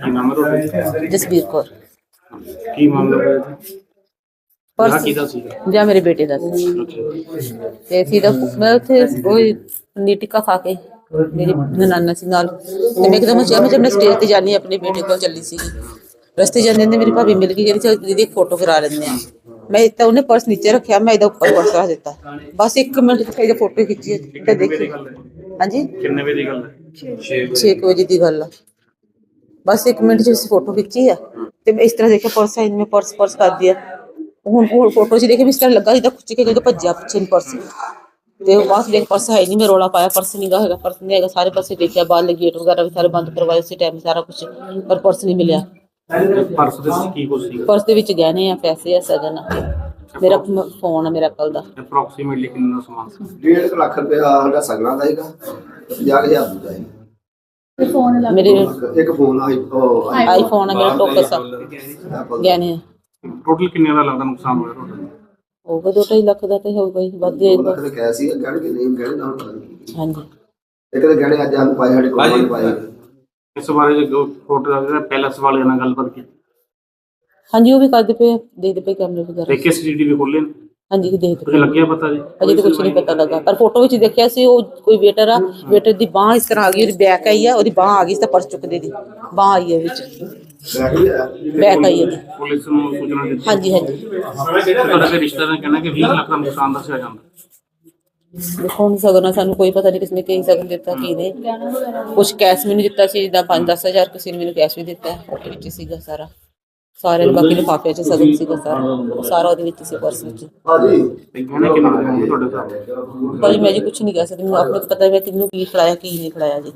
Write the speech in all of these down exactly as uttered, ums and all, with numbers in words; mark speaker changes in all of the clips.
Speaker 1: ਕੀ ਨਾਮ ਹੈ ਤੁਹਾਡਾ?
Speaker 2: ਜਸਬੀਰ ਕੌਰ।
Speaker 1: ਕੀ ਮਾਮਲਾ ਹੋਇਆ ਜੀ?
Speaker 2: ਪਰਸ
Speaker 1: ਵਿਆਹ ਕਿਹਦਾ ਸੀਗਾ?
Speaker 2: ਜਾਂ ਮੇਰੇ ਬੇਟੇ ਦਾ ਸੀ।
Speaker 1: ਅੱਛਾ।
Speaker 2: ਤੇ ਅਸੀਂ ਤਾਂ ਮੈਂ ਉੱਥੇ ਉਹ ਪਨੀਰ ਟਿੱਕਾ ਖਾ ਕੇ ਮੇਰੀ ਨਨਾਨਾ ਸੀ ਨਾਲ, ਤੇ ਮੈਂ ਇੱਕਦਮ ਚਾਹ ਮੈਂ ਜਦ ਮੈਂ ਸਟੇਜ ਤੇ ਜਾਣੀ ਆਪਣੇ ਬੇਟੇ ਕੋਲ ਚੱਲੀ ਸੀਗੀ, ਰਸਤੇ ਜਾਂਦੇ ਨੇ ਮੇਰੀ ਭਾਬੀ ਮਿਲ ਗਈ, ਕਹਿੰਦੀ ਚਲ ਦੀਦੀ ਇੱਕ ਫੋਟੋ ਕਰਾ ਲੈਂਦੇ ਆ। ਮੈਂ ਤਾਂ ਉਹਨੇ ਪਰਸ ਨੀਚੇ ਰੱਖਿਆ, ਮੈਂ ਇਹਦਾ ਉੱਪਰ ਪਰਸ ਰੱਖ ਦਿੱਤਾ, ਬਸ ਇੱਕ ਮਿੰਟ ਚ ਇਹਦੀ ਫੋਟੋ ਖਿੱਚੀ ਤੇ ਦੇਖੀ। ਹਾਂਜੀ,
Speaker 1: ਕਿੰਨੇ ਵਜੇ ਦੀ ਗੱਲ ਹੈ?
Speaker 2: ਛੇ ਕੁ ਵਜੇ ਦੀ ਗੱਲ ਆ। ਬਸ ਇੱਕ ਮਿੰਟ ਚ ਅਸੀਂ ਫੋਟੋ ਖਿੱਚੀ ਆ ਤੇ ਮੈਂ ਇਸ ਤਰ੍ਹਾਂ ਦੇਖਿਆ ਪਰਸ ਹੈ, ਮੈਂ ਪਰਸ ਪਰਸ ਕਰਦੀ ਆ। ਹੁਣ ਹੁਣ ਫੋਟੋ ਚ ਦੇਖੇ ਵੀ ਇਸ ਤਰ੍ਹਾਂ ਲੱਗਾ ਜਿੱਦਾਂ ਖੁੱਚ ਕੇ ਜਦੋਂ ਭੱਜਿਆ ਪਿੱਛੇ ਨੂੰ ਪਰਸ, ਤੇ ਬਾਅਦ ਦੇਖ ਪਰਸ ਹੈ ਨਹੀਂ। ਮੈਂ ਰੌਲਾ ਪਾਇਆ ਪਰਸ ਨਹੀਂ ਗਾ ਹੈਗਾ, ਪਰਸ ਨਹੀਂ ਹੈਗਾ। ਸਾਰੇ ਪਾਸੇ ਦੇਖਿਆ, ਬਾਹਰ ਗੇਟ ਵਗੈਰਾ ਵੀ ਸਾਰੇ ਬੰਦ ਕਰਵਾਏ ਉਸੇ ਟਾਈਮ ਸਾਰਾ ਕੁਛ, ਪਰ ਪਰਸ ਨਹੀਂ ਮਿਲਿਆ।
Speaker 1: ਪਰਸ ਦੇ ਵਿੱਚ ਕੀ ਕੁਝ ਸੀਗਾ?
Speaker 2: ਪਰਸ ਦੇ ਵਿੱਚ ਗਹਿਣੇ ਆ, ਪੈਸੇ ਆ, ਸਗਨ ਆ, ਮੇਰਾ ਫੋਨ ਆ, ਮੇਰਾ ਕੱਲ ਦਾ।
Speaker 1: ਅਪਰੋਕਸੀਮੇਟਲੀ ਕਿੰਨਾ ਸਮਾਨ ਸੀ?
Speaker 3: ਡੇਢ ਲੱਖ ਰੁਪਇਆ ਸਾਡਾ ਸਗਣਾ ਦਾ ਹੈਗਾ, ਪੰਜਾਹ ਹਜ਼ਾਰ ਦਾ ਹੈਗਾ।
Speaker 2: ਮੇਰੇ
Speaker 3: ਇੱਕ ਫੋਨ ਆਈ ਉਹ
Speaker 2: ਆਈਫੋਨ ਆ, ਮੇਰਾ ਟੋਕਸ ਆ, ਗਹਿਣੇ ਆ।
Speaker 1: ਟੋਟਲ ਕਿੰਨੇ ਦਾ ਲੱਗਦਾ ਨੁਕਸਾਨ ਹੋਇਆ ਤੁਹਾਡਾ?
Speaker 2: ਹੋਊਗਾ ਦੋ ਢਾਈ ਲੱਖ ਦਾ ਤੇ ਹੋਊਗਾ ਹੀ, ਵੱਧ ਹੀ
Speaker 3: ਲੱਖ
Speaker 2: ਹੋਊਗਾ।
Speaker 3: ਦੇ ਕਹਿ ਸੀ ਗਹਿਣੇ ਕਿ ਨਹੀਂ ਗਹਿਣੇ ਨਾਲ ਪਤਾ ਨਹੀਂ।
Speaker 2: ਹਾਂਜੀ,
Speaker 3: ਇੱਕ ਤਾਂ ਗਹਿਣੇ ਅੱਜ ਸਾਨੂੰ ਪਾਏ, ਸਾਡੇ ਕੋਲ ਨਹੀਂ ਪਾਏ।
Speaker 1: ਇਸ ਬਾਰੇ ਜੋ ਫੋਟੋ ਦਾ ਪੈਲਸ ਵਾਲਿਆਂ ਨਾਲ ਗੱਲਬਾਤ ਕੀਤੀ
Speaker 2: ਹਾਂਜੀ ਉਹ ਵੀ ਕਰਦੇ ਪਏ, ਦੇਖਦੇ ਪਏ ਕੈਮਰੇ ਵਗੈਰਾ।
Speaker 1: ਤੇ ਕਿਸ ਸੀਸੀਟੀਵੀ ਖੋਲੇ ਨੇ?
Speaker 2: ਹਾਂਜੀ ਦੇਖਦੇ
Speaker 1: ਕੁਝ
Speaker 2: ਪਏ।
Speaker 1: ਲੱਗਿਆ ਪਤਾ ਜੀ?
Speaker 2: ਅਜੇ ਤਾਂ ਕੁਛ ਨਹੀਂ ਪਤਾ ਲੱਗਾ, ਪਰ ਫੋਟੋ ਵਿੱਚ ਦੇਖਿਆ ਸੀ ਉਹ ਕੋਈ ਵੇਟਰ ਆ, ਵੇਟਰ ਦੀ ਬਾਂਹ ਇਸ ਤਰ੍ਹਾਂ ਆ ਗਈ, ਉਹਦੀ ਬੈਕ ਆਈ ਆ, ਉਹਦੀ ਬਾਂਹ ਆ ਗਈ, ਤਾਂ ਪਰਸ ਚੁੱਕਦੇ ਦੀ ਬਾਂਹ ਆਈ ਹੈ ਵਿੱਚ,
Speaker 3: ਬੈਗ ਵੀ ਆਇਆ।
Speaker 2: ਬੈਕ ਆਈ ਹੈ।
Speaker 1: ਪੁਲਿਸ ਨੂੰ ਸੂਚਨਾ ਦਿੱਤੀ?
Speaker 2: ਹਾਂਜੀ ਹਾਂਜੀ,
Speaker 1: ਤੁਹਾਡੇ ਰਿਸ਼ਤੇਦਾਰਾਂ ਨੇ ਕਹਿਣਾ ਕਿ ਵੀਹ ਲੱਖ ਦਾ ਨੁਕਸਾਨ ਦੱਸਿਆ ਜਾਂਦਾ।
Speaker 2: ਦੇਖੋ ਹੁਣ ਸਗਨ ਸਾਨੂੰ ਕੋਈ ਪਤਾ ਨਹੀਂ ਕਿਸਨੇ ਕੀ ਸਗਨ ਦਿੱਤਾ ਕੀ ਨਹੀਂ। ਕੁਛ ਕੈਸ਼ ਮੈਨੂੰ ਦਿੱਤਾ ਸੀ, ਜਿੱਦਾਂ ਪੰਜ ਦਸ ਹਜ਼ਾਰ ਕਿਸੇ ਨੇ ਮੈਨੂੰ ਕੈਸ਼ ਵੀ ਦਿੱਤਾ, ਉਹਦੇ ਵਿੱਚ ਸੀਗਾ ਸਾਰਾ, ਸਾਰਿਆਂ ਨੂੰ ਬਾਕੀ ਲਿਫਾਫੇ 'ਚ ਸਗਨ ਸੀਗਾ ਸਾਰਾ, ਉਹ ਸਾਰਾ ਉਹਦੇ ਵਿੱਚ ਸੀ, ਪਰਸ ਵਿੱਚ।
Speaker 3: ਹਾਂਜੀ
Speaker 1: ਤੇ ਗਹਿਣੇ ਕਿੰਨੇ ਦੇ ਹੋਣਗੇ ਤੁਹਾਡੇ ਸਾਹਮਣੇ?
Speaker 2: ਭਾਜੀ ਮੈਂ ਜੀ ਕੁਛ ਨਹੀਂ ਕਹਿ ਸਕਦੀ, ਮੈਨੂੰ ਆਪਣੇ ਪਤਾ ਹੈ ਕਿਹਨੂੰ ਕੀ ਖਿਲਾਇਆ ਕੀ ਨਹੀਂ ਖਿਲਾਇਆ ਜੀ।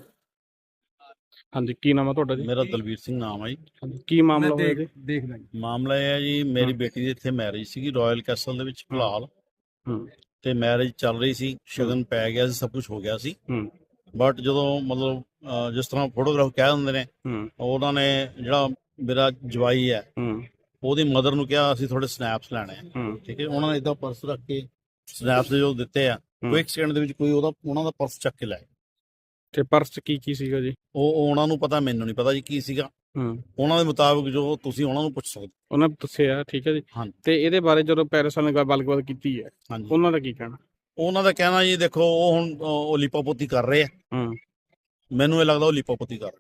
Speaker 1: ਹਾਂਜੀ, ਕੀ ਨਾਮ ਹੈ ਤੁਹਾਡਾ ਜੀ?
Speaker 4: ਮੇਰਾ ਦਲਵੀਰ ਸਿੰਘ ਨਾਮ ਹੈ ਜੀ।
Speaker 1: ਕੀ ਮਾਮਲਾ ਹੋਇਆ ਜੀ?
Speaker 4: ਮਾਮਲਾ ਇਹ ਹੈ ਜੀ, ਮੇਰੀ ਬੇਟੀ ਦੀ ਇੱਥੇ ਮੈਰਿਜ ਸੀਗੀ ਰਾਇਲ ਕੈਸਲ ਦੇ ਵਿੱਚ ਫਿਲਹਾਲ,
Speaker 1: ਹੂੰ
Speaker 4: ਤੇ ਮੈਰਿਜ ਚੱਲ ਰਹੀ ਸੀ, ਸ਼ਗਨ ਪੈ ਗਿਆ ਸੀ, ਸਭ ਕੁਝ ਹੋ ਗਿਆ ਸੀ।
Speaker 1: ਹੂੰ
Speaker 4: ਬਟ ਜਦੋਂ ਮਤਲਬ ਅਹ, ਜਿਸ ਤਰ੍ਹਾਂ ਫੋਟੋਗ੍ਰਾਫ ਕਹਿ ਦਿੰਦੇ ਨੇ,
Speaker 1: ਹੂੰ
Speaker 4: ਉਹਨਾਂ ਨੇ ਜਿਹੜਾ ਮੇਰਾ ਜਵਾਈ ਹੈ
Speaker 1: ਹੂੰ
Speaker 4: ਉਹਦੀ ਮਦਰ ਨੂੰ ਕਿਹਾ ਅਸੀਂ ਥੋੜੇ ਸਨੈਪਸ ਲੈਣੇ ਆ।
Speaker 1: ਹੂੰ
Speaker 4: ਠੀਕ ਹੈ, ਉਹਨਾਂ ਨੇ ਇਦਾਂ ਪਰਸ ਰੱਖ ਕੇ ਸਨੈਪਸ ਜੋ ਦਿੱਤੇ ਆ, ਕੋਈ ਇੱਕ ਸੈਕਿੰਡ ਦੇ ਵਿੱਚ ਕੋਈ ਉਹਦਾ ਉਹਨਾਂ ਦਾ ਪਰਸ ਚੱਕ ਕੇ ਲੈ ਗਿਆ।
Speaker 1: ਤੇ ਪਰਸ 'ਚ ਕੀ ਕੀ ਸੀਗਾ ਜੀ?
Speaker 4: ਉਹ ਉਹ ਉਹਨਾਂ ਨੂੰ ਪਤਾ, ਮੈਨੂੰ ਨਹੀਂ ਪਤਾ ਜੀ ਕੀ ਸੀਗਾ।
Speaker 1: ਹੂੰ
Speaker 4: ਉਹਨਾਂ ਦੇ ਮੁਤਾਬਕ ਜੋ ਤੁਸੀਂ ਉਹਨਾਂ ਨੂੰ ਪੁੱਛ ਸਕਦੇ।
Speaker 1: ਉਹਨਾਂ ਨੇ ਦੱਸਿਆ, ਠੀਕ ਹੈ ਜੀ।
Speaker 4: ਹਾਂਜੀ
Speaker 1: ਤੇ ਇਹਦੇ ਬਾਰੇ ਜਦੋਂ ਪੈਰਿਸ ਵਾਲਿਆਂ ਨੇ ਗੱਲਬਾਤ ਕੀਤੀ ਹੈ,
Speaker 4: ਹਾਂਜੀ
Speaker 1: ਉਹਨਾਂ ਦਾ ਕੀ ਕਹਿਣਾ?
Speaker 4: ਉਹਨਾਂ ਦਾ ਕਹਿਣਾ ਜੀ, ਦੇਖੋ ਉਹ ਹੁਣ ਉਹ ਲਿਪੋਪੋਤੀ ਕਰ ਰਹੇ ਆ,
Speaker 1: ਹੂੰ
Speaker 4: ਮੈਨੂੰ ਇਹ ਲੱਗਦਾ ਉਹ ਲਿਪੋਪੋਤੀ ਕਰ ਰਹੇ।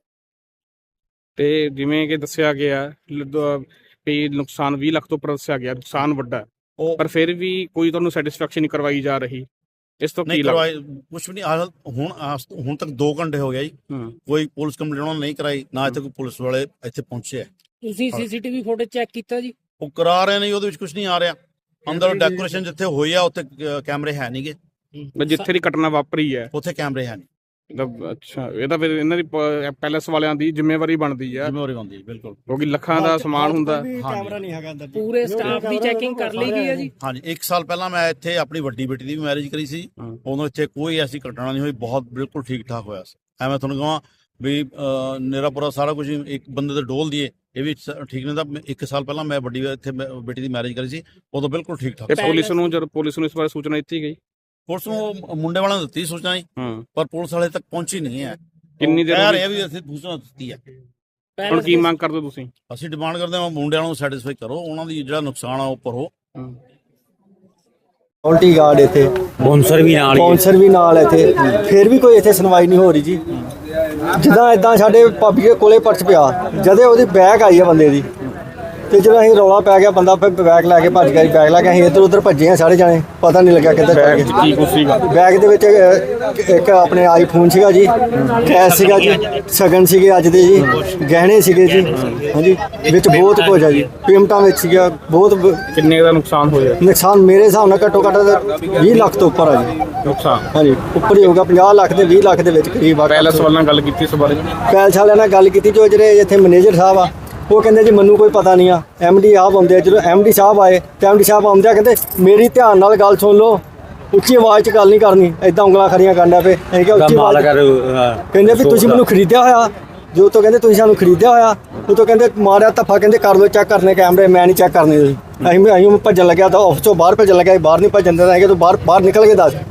Speaker 1: ਤੇ ਜਿਵੇਂ ਕਿ ਦੱਸਿਆ ਗਿਆ ਵੀ ਨੁਕਸਾਨ ਵੀਹ ਲੱਖ ਤੋਂ ਉੱਪਰ ਦੱਸਿਆ ਗਿਆ, ਨੁਕਸਾਨ ਵੱਡਾ ਹੈ,
Speaker 4: ਉਹ
Speaker 1: ਪਰ ਫਿਰ ਵੀ ਕੋਈ ਤੁਹਾਨੂੰ ਸੈਟੀਸਫੈਕਸ਼ਨ ਨਹੀਂ ਕਰਵਾਈ ਜਾ ਰਹੀ, ਇਸ ਤੋਂ ਕੀ
Speaker 4: ਨਹੀਂ
Speaker 1: ਲੱਗਦਾ?
Speaker 4: ਕਰਵਾਏ, ਕੁਛ ਵੀ ਨਹੀਂ। ਆਹ ਹੁਣ ਆਹ ਹੁਣ ਤੱਕ ਦੋ ਘੰਟੇ ਹੋ ਗਿਆ ਜੀ,
Speaker 1: ਹੂੰ
Speaker 4: ਕੋਈ ਪੁਲਿਸ ਕੰਪਲੇਂਟ ਉਹਨਾਂ ਨੇ ਨਹੀਂ ਕਰਾਈ, ਨਾ ਇੱਥੇ ਕੋਈ ਪੁਲਿਸ ਵਾਲੇ ਇੱਥੇ ਪਹੁੰਚੇ ਆ।
Speaker 5: ਤੁਸੀਂ ਸੀਸੀਟੀਵੀ ਫੁਟੇਜ ਚੈੱਕ ਕੀਤਾ ਜੀ?
Speaker 4: ਉਹ ਕਰਾ ਰਹੇ ਨੇ, ਉਹਦੇ ਵਿੱਚ ਕੁਝ ਨਹੀਂ ਆ ਰਿਹਾ। ਅੰਦਰ ਡੈਕੋਰੇਸ਼ਨ ਜਿੱਥੇ ਹੋਈ ਆ ਉੱਥੇ ਕ- ਕੈਮਰੇ ਹੈ ਨਹੀਂਗੇ,
Speaker 1: ਬਸ ਜਿੱਥੇ ਦੀ ਘਟਨਾ ਵਾਪਰੀ ਹੈ।
Speaker 4: ਉੱਥੇ ਕੈਮਰੇ ਹੈ ਨਹੀਂ।
Speaker 1: ਮਤਲਬ ਅੱਛਾ, ਇਹ ਤਾਂ ਫਿਰ ਇਹਨਾਂ ਦੀ ਪ- ਪੈਲੇਸ ਵਾਲਿਆਂ ਦੀ ਜ਼ਿੰਮੇਵਾਰੀ ਬਣਦੀ ਹੈ,
Speaker 4: ਜ਼ਿੰਮੇਵਾਰੀ ਬਣਦੀ ਬਿਲਕੁਲ।
Speaker 1: ਕਿਉਂਕਿ ਲੱਖਾਂ ਦਾ ਸਮਾਨ ਹੁੰਦਾ।
Speaker 5: ਕੈਮਰਾ ਨਹੀਂ ਹੈਗਾ ਅੰਦਰ। ਪੂਰੇ ਸਟਾਫ ਦੀ ਚੈਕਿੰਗ ਕਰ ਲਈ ਗਈ ਹੈ ਜੀ?
Speaker 4: ਹਾਂਜੀ, ਇੱਕ ਸਾਲ ਪਹਿਲਾਂ ਮੈਂ ਇੱਥੇ ਆਪਣੀ ਵੱਡੀ ਬੇਟੀ ਦੀ ਵੀ ਮੈਰਿਜ ਕਰੀ ਸੀ,
Speaker 1: ਹੂੰ।
Speaker 4: ਉਦੋਂ ਇੱਥੇ ਕੋਈ ਐਸੀ ਘਟਨਾ ਨਹੀਂ ਹੋਈ, ਬਹੁਤ ਬਿਲਕੁਲ ਠੀਕ ਠਾਕ ਹੋਇਆ ਸੀ। ਐਵੇਂ ਤੁਹਾਨੂੰ ਕਹਾਂ ਵੀ ਅਹ, ਮੇਰਾ ਪੂਰਾ ਸਾਰਾ ਕੁਝ ਇੱਕ ਬੰਦੇ ਦੇ ਡੋਲ ਦੀਏ, ਇਹ ਵੀ ਸ- ਠੀਕ ਨਹੀਂ। ਤਾਂ ਇੱਕ ਸਾਲ ਪਹਿਲਾਂ ਮੈਂ ਵੱਡੀ ਇੱਥੇ ਮੈਂ ਬੇਟੀ ਦੀ ਮੈਰਿਜ ਕਰੀ ਸੀ, ਉਦੋਂ ਬਿਲਕੁਲ ਠੀਕ ਠਾਕ
Speaker 1: ਤੇ
Speaker 4: ਸੀ।
Speaker 1: ਪੁਲਿਸ ਨੂੰ ਜਦੋਂ ਪੁਲਿਸ ਨੂੰ ਇਸ ਬਾਰੇ ਸੂਚਨਾ ਦਿੱਤੀ ਗਈ?
Speaker 4: ਪੁਲਿਸ ਨੂੰ ਉਹ ਮੁੰਡੇ ਵਾਲਿਆਂ ਨੂੰ ਦਿੱਤੀ ਸੂਚਨਾ ਜੀ,
Speaker 1: ਹੂੰ
Speaker 4: ਪਰ ਪੁਲਿਸ ਵਾਲੇ ਤੱਕ ਪਹੁੰਚੀ ਨਹੀਂ ਹੈ।
Speaker 1: ਕਿੰਨੀ ਦੇਰ
Speaker 4: ਕਹਿ
Speaker 1: ਹੋ
Speaker 4: ਰਹੇ
Speaker 1: ਗਈ?
Speaker 4: ਆ ਵੀ ਅਸੀਂ ਸੂਚਨਾ ਦਿੱਤੀ ਹੈ।
Speaker 1: ਹੁਣ ਕੀ ਮੰਗ ਕਰਦੇ ਹੋ ਤੁਸੀਂ?
Speaker 4: ਅਸੀਂ ਡਿਮਾਂਡ ਕਰਦੇ ਹਾਂ ਮੁੰਡਿਆਂ ਨੂੰ ਸੈਟੀਸਫਾਈ ਕਰੋ, ਉਹਨਾਂ ਦੀ ਜਿਹੜਾ ਨੁਕਸਾਨ ਆ ਉਹ ਭਰੋ।
Speaker 6: ਸਕਿਉਰਟੀ ਗਾਰਡ ਇੱਥੇ
Speaker 7: ਬੌਂਸਰ ਵੀ ਨਾਲ ਹੀ ਹੈ।
Speaker 6: ਬੌਂਸਰ ਵੀ ਨਾਲ ਇੱਥੇ, ਫਿਰ ਵੀ ਕੋਈ ਇੱਥੇ ਸੁਣਵਾਈ ਨਹੀਂ ਹੋ ਰਹੀ ਜੀ। ਜਿੱਦਾਂ ਇਦਾਂ ਸਾਡੇ ਭਾਬੀ ਦੇ ਕੋਲੇ ਪਰਸ ਪਿਆ, ਜਦੇ ਉਹਦੀ ਬੈਗ ਆਈ ਹੈ ਬੰਦੇ ਦੀ, ਤੇ ਜਦੋਂ ਅਸੀਂ ਰੌਲਾ ਪੈ ਗਿਆ, ਬੰਦਾ ਫਿਰ ਬੈਗ ਲੈ ਕੇ ਭੱਜ ਗਿਆ ਜੀ। ਬੈਗ ਲੈ ਕੇ ਅਸੀਂ ਇੱਧਰ ਉੱਧਰ ਭੱਜੇ ਆ ਸਾਰੇ ਜਾਣੇ, ਪਤਾ ਨਹੀਂ ਲੱਗਿਆ ਕਿੱਧਰ ਪੈ ਗਏ।
Speaker 1: ਕੀ ਕੁਛ ਸੀਗਾ
Speaker 6: ਬੈਗ ਦੇ ਵਿੱਚ ਇੱਕ- ਇੱਕ ਆਪਣੇ ਆਈਫੋਨ ਸੀਗਾ ਜੀ, ਕੈਸ਼ ਸੀਗਾ ਜੀ, ਸ਼ਗਨ ਸੀਗੇ ਅੱਜ ਦੇ ਜੀ, ਗਹਿਣੇ ਸੀਗੇ ਜੀ, ਹਾਂਜੀ, ਵਿੱਚ ਬਹੁਤ ਕੁਝ ਆ ਜੀ, ਪੇਮੈਂਟਾਂ ਵਿੱਚ ਸੀਗਾ ਬਹੁਤ। ਬ-
Speaker 1: ਕਿੰਨੇ ਦਾ ਨੁਕਸਾਨ ਹੋਇਆ?
Speaker 6: ਨੁਕਸਾਨ ਮੇਰੇ ਹਿਸਾਬ ਨਾਲ ਘੱਟੋ ਘੱਟ ਵੀਹ ਲੱਖ ਤੋਂ ਉੱਪਰ ਆ ਜੀ।
Speaker 1: ਨੁਕਸਾਨ
Speaker 6: ਹਾਂਜੀ, ਉੱਪਰ ਹੀ ਹੋਊਗਾ, ਪੰਜਾਹ ਲੱਖ ਦੇ ਵੀਹ ਲੱਖ ਦੇ ਵਿੱਚ ਕਰੀਬ ਆ।
Speaker 1: ਪੈਲੇਸ ਵਾਲਿਆਂ ਨਾਲ ਗੱਲ ਕੀਤੀ ਇਸ ਬਾਰੇ?
Speaker 6: ਪੈਲਸ ਵਾਲਿਆਂ ਨਾਲ ਗੱਲ ਕੀਤੀ, ਜੋ ਜਿਹੜੇ ਇੱਥੇ ਮੈਨੇਜਰ ਸਾਹਿਬ ਆ, ਉਹ ਕਹਿੰਦੇ ਜੀ ਮੈਨੂੰ ਕੋਈ ਪਤਾ ਨਹੀਂ ਆ। ਐਮ ਡੀ ਸਾਹਿਬ ਆਉਂਦੇ ਆ, ਜਦੋਂ ਐਮ ਡੀ ਸਾਹਿਬ ਆਏ ਤੇ ਐਮ ਡੀ ਸਾਹਿਬ ਆਉਂਦੇ ਆ ਕਹਿੰਦੇ ਮੇਰੀ ਧਿਆਨ ਨਾਲ ਗੱਲ ਸੁਣ ਲਓ, ਉੱਚੀ ਆਵਾਜ਼ 'ਚ ਗੱਲ ਨਹੀਂ ਕਰਨੀ। ਐਦਾਂ ਉਂਗਲਾਂ ਖੜੀਆਂ ਕਰਨਾ ਪਏ। ਅਸੀਂ ਕਿਹਾ ਉੱਚੀ ਆਵਾਜ਼, ਕਹਿੰਦੇ ਵੀ ਤੁਸੀਂ ਮੈਨੂੰ ਖਰੀਦਿਆ ਹੋਇਆ, ਜੋ ਤੋਂ ਕਹਿੰਦੇ ਤੁਸੀਂ ਸਾਨੂੰ ਖਰੀਦਿਆ ਹੋਇਆ, ਉਹ ਤੋਂ ਕਹਿੰਦੇ ਮਾਰਿਆ ਧੱਫਾ, ਕਹਿੰਦੇ ਕਰ ਲਓ ਚੈੱਕ ਕਰਨੇ ਕੈਮਰੇ, ਮੈਂ ਨਹੀਂ ਚੈੱਕ ਕਰਨੇ। ਤੁਸੀਂ ਅਸੀਂ ਅਸੀਂ ਭੱਜਣ ਲੱਗਿਆ ਤਾਂ ਆਫਿਸ ਤੋਂ ਬਾਹਰ ਭੱਜਣ ਲੱਗਿਆ, ਬਾਹਰ ਨਹੀਂ ਭੱਜਣ ਦਿੰਦਾ ਹੈਗਾ, ਤੂੰ ਬਾਹਰ ਬਾਹਰ ਨਿਕਲ ਕੇ ਦੱਸ।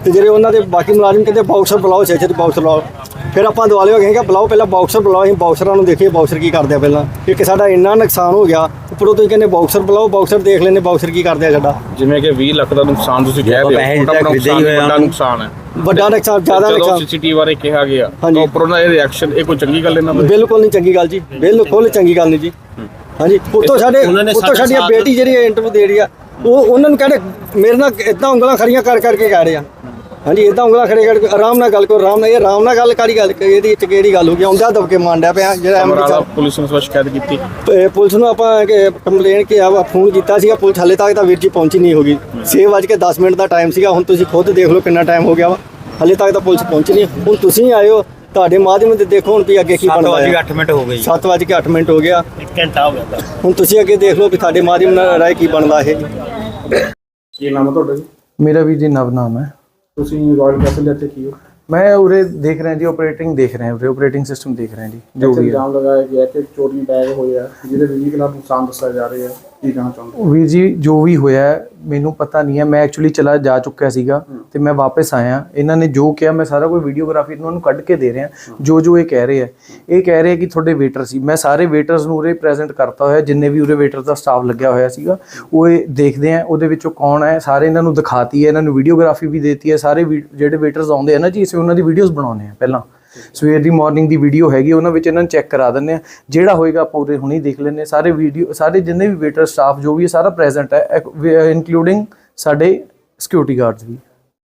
Speaker 6: ਤੇ ਜਿਹੜੇ ਉਹਨਾਂ ਦੇ ਬਾਕੀ ਮੁਲਾਜ਼ਮ ਕਹਿੰਦੇ ਬਾਕਸਰ ਬੁਲਾਓ, ਛੇ ਛੇ ਬਾਕਸਰ ਬੁਲਾਓ। ਫਿਰ ਆਪਾਂ ਦੁਆਲੇ ਹੋ ਗਏ ਕਿ ਬੁਲਾਓ, ਪਹਿਲਾਂ ਬਾਕਸਰ ਬੁਲਾਓ। ਅਸੀਂ ਬਾਕਸਰਾਂ ਨੂੰ ਦੇਖੀਏ ਬਾਕਸਰ ਕੀ ਕਰਦੇ ਆ ਪਹਿਲਾਂ। ਇੱਕ ਸਾਡਾ ਇੰਨਾ ਨੁਕਸਾਨ ਹੋ ਗਿਆ, ਉੱਪਰੋਂ ਤੁਸੀਂ ਕਹਿੰਦੇ ਬਾਕਸਰ ਬੁਲਾਓ, ਬਾਕਸਰ ਦੇਖ ਲੈਂਦੇ ਬਾਕਸਰ ਕੀ ਕਰਦੇ ਆ ਸਾਡਾ।
Speaker 1: ਜਿਵੇਂ ਕਿ ਵੀਹ ਲੱਖ ਦਾ ਨੁਕਸਾਨ ਤੁਸੀਂ ਕਹਿ ਰਹੇ ਹੋ, ਵੱਡਾ ਨੁਕਸਾਨ ਹੈ,
Speaker 6: ਵੱਡਾ ਨੁਕਸਾਨ, ਜ਼ਿਆਦਾ ਨੁਕਸਾਨ।
Speaker 1: ਸੀਸੀਟੀਵੀ ਬਾਰੇ ਕਿਹਾ ਗਿਆ
Speaker 6: ਹਾਂਜੀ।
Speaker 1: ਤਾਂ ਉੱਪਰੋਂ ਦਾ ਇਹ ਰਿਐਕਸ਼ਨ, ਇਹ ਕੋਈ ਚੰਗੀ ਗੱਲ ਇਹਨਾਂ ਦੀ?
Speaker 6: ਬਿਲਕੁਲ ਨਹੀਂ ਚੰਗੀ ਗੱਲ ਜੀ, ਬਿਲਕੁਲ ਚੰਗੀ ਗੱਲ ਨਹੀਂ ਜੀ। ਹਾਂਜੀ, ਉੱਤੋਂ ਸਾਡੇ ਉੱਤੋਂ ਸਾਡੀ ਬੇਟੀ ਜਿਹੜੀ ਇੰਟਰਵਿਊ ਦੇ ਰਹੀ ਆ, ਉਹ ਉਹਨਾਂ ਨੂੰ ਕਹਿੰਦੇ ਮੇਰੇ ਨਾਲ ਇਦਾਂ ਉਂਗਲਾਂ ਖੜੀਆਂ ਕਰ ਕਰਕੇ ਕਹਿ ਰਹੇ ਆ। ਹਾਂਜੀ, ਇਦਾਂ ਉਂਗਲਾਂ ਖੜੇ ਕਰਕੇ ਆਰਾਮ ਨਾਲ ਗੱਲ ਕਰੋ, ਆਰਾਮ ਨਾਲ। ਇਹ ਆਰਾਮ ਨਾਲ ਗੱਲ ਕਾਹਦੀ ਗੱਲ, ਇਹਦੀ ਵਿੱਚ ਕਿਹੜੀ ਗੱਲ ਹੋ ਗਈ? ਆਉਂਦਾ ਦਬਕੇ ਮਾਂਡਿਆ ਪਿਆ ਜਿਹੜਾ
Speaker 1: ਸਮਰਾਲਾ ਪੁਲਿਸ ਨੂੰ ਸ਼ਿਕਾਇਤ ਕੀਤੀ।
Speaker 6: ਇਹ ਪੁਲਿਸ ਨੂੰ ਆਪਾਂ ਕੰਪਲੇਨ ਕਿ ਆ ਫੋਨ ਕੀਤਾ ਸੀਗਾ, ਪੁਲਿਸ ਹਾਲੇ ਤੱਕ ਤਾਂ ਵੀਰ ਜੀ ਪਹੁੰਚੀ ਨਹੀਂ ਹੋਗੀ। ਛੇ ਵੱਜ ਕੇ ਦਸ ਮਿੰਟ ਦਾ ਟਾਈਮ ਸੀਗਾ, ਹੁਣ ਤੁਸੀਂ ਖੁਦ ਦੇਖ ਲਓ ਕਿੰਨਾ ਟਾਈਮ ਹੋ ਗਿਆ ਵਾ, ਹਾਲੇ ਤੱਕ ਤਾਂ ਪੁਲਿਸ ਪਹੁੰਚੀ ਨਹੀਂ। ਹੁਣ ਤੁਸੀਂ ਆਏ ਹੋ, ਤੁਹਾਡੇ ਮਾਧਿਅਮ ਤੇ ਦੇਖੋ ਹੁਣ ਵੀ ਅੱਗੇ ਕੀ ਬਣਦਾ ਹੈ।
Speaker 7: ਅੱਠ ਮਿੰਟ ਹੋ ਗਏ ਜੀ,
Speaker 6: ਸੱਤ ਵੱਜ ਕੇ ਅੱਠ ਮਿੰਟ ਹੋ ਗਿਆ,
Speaker 7: ਇੱਕ ਘੰਟਾ ਹੋ ਗਿਆ।
Speaker 6: ਹੁਣ ਤੁਸੀਂ ਅੱਗੇ ਦੇਖ ਲਓ ਵੀ ਤੁਹਾਡੇ ਮਾਧਿਅਮ ਨਾਲ ਰਾਏ ਕੀ ਬਣਦਾ ਇਹ।
Speaker 1: ਕੀ ਨਾਮ ਹੈ ਤੁਹਾਡਾ ਜੀ?
Speaker 8: ਮੇਰਾ ਵੀ ਜੀ ਨਵ ਨਾਮ ਹੈ।
Speaker 1: ਤੁਸੀਂ ਰਾਇਲ ਕੈਸਲ ਦੇ ਇੱਥੇ ਕੀ ਹੋ?
Speaker 8: ਮੈਂ ਉਰੇ ਦੇਖ ਰਿਹਾ ਜੀ, ਆਪਰੇਟਿੰਗ ਦੇਖ ਰਹੇ ਹਾਂ, ਉਰੇ ਆਪਰੇਟਿੰਗ ਸਿਸਟਮ ਦੇਖ ਰਹੇ ਹਾਂ ਜੀ, ਜੋ ਵੀ ਹੈ।
Speaker 1: ਇਲਜ਼ਾਮ ਲਗਾਇਆ ਗਿਆ ਕਿ ਚੋਰੀ ਬੈਗ ਹੋਇਆ, ਜਿਹਦੇ ਵੀਹ ਲੱਖ ਨੁਕਸਾਨ ਦੱਸਿਆ ਜਾ ਰਿਹਾ ਹੈ, ਕੀ ਕਹਿਣਾ ਚਾਹੁੰਦੇ?
Speaker 8: ਵੀਰ ਜੀ ਜੋ ਵੀ ਹੋਇਆ ਹੈ, ਮੈਨੂੰ ਪਤਾ ਨਹੀਂ ਹੈ। ਮੈਂ ਐਕਚੁਅਲੀ ਚਲਾ ਜਾ ਚੁੱਕਿਆ ਸੀਗਾ ਤੇ ਮੈਂ ਵਾਪਸ ਆਇਆ। ਇਹਨਾਂ ਨੇ ਜੋ ਕਿਹਾ ਮੈਂ ਸਾਰਾ ਕੋਈ ਵੀਡੀਓਗ੍ਰਾਫੀ ਇਹਨਾਂ ਨੂੰ ਕੱਢ ਕੇ ਦੇ ਰਿਹਾ। ਜੋ ਜੋ ਇਹ ਕਹਿ ਰਹੇ ਆ, ਇਹ ਕਹਿ ਰਹੇ ਕਿ ਤੁਹਾਡੇ ਵੇਟਰ ਸੀ। ਮੈਂ ਸਾਰੇ ਵੇਟਰਸ ਨੂੰ ਉਰੇ ਪ੍ਰੈਜ਼ੈਂਟ ਕਰਤਾ ਹੋਇਆ, ਜਿੰਨੇ ਵੀ ਉਰੇ ਵੇਟਰ ਦਾ ਸਟਾਫ ਲੱਗਿਆ ਹੋਇਆ ਸੀਗਾ। ਉਹ ਇਹ ਦੇਖਦੇ ਆ ਉਹਦੇ ਵਿੱਚੋਂ ਕੌਣ ਹੈ, ਸਾਰੇ ਇਹਨਾਂ ਨੂੰ ਦਿਖਾਤੀ ਹੈ, ਇਹਨਾਂ ਨੂੰ ਵੀਡੀਓਗ੍ਰਾਫੀ ਵੀ ਦੇਤੀ ਹੈ। ਸਾਰੇ ਜਿਹੜੇ ਵੇਟਰਸ ਆਉਂਦੇ ਆ ਨਾ ਜੀ, ਅਸੀਂ ਉਹਨਾਂ ਦੀ ਵੀਡੀਓਜ਼ ਬਣਾਉਂਦੇ ਆ। ਪਹਿਲਾਂ ਸਵੇਰ ਦੀ ਮਾਰਨਿੰਗ ਦੀ ਵੀਡੀਓ ਹੈਗੀ, ਉਹਨਾਂ ਵਿੱਚ ਇਹਨਾਂ ਨੂੰ ਚੈੱਕ ਕਰਾ ਦਿੰਦੇ ਆ। ਜਿਹੜਾ ਹੋਏਗਾ ਆਪਾਂ ਉਰੇ ਹੁਣੇ ਦੇਖ ਲੈਂਦੇ ਹਾਂ। ਸਾਰੇ ਵੀਡੀਓ, ਸਾਰੇ ਜਿੰਨੇ ਵੀ ਵੇਟਰ ਸਟਾਫ ਜੋ ਵੀ ਹੈ ਸਾਰਾ ਪ੍ਰੈਜ਼ੈਂਟ ਹੈ, ਇਨਕਲੂਡਿੰਗ ਸਾਡੇ ਸਿਕਿਉਰਿਟੀ ਗਾਰਡਸ ਵੀ।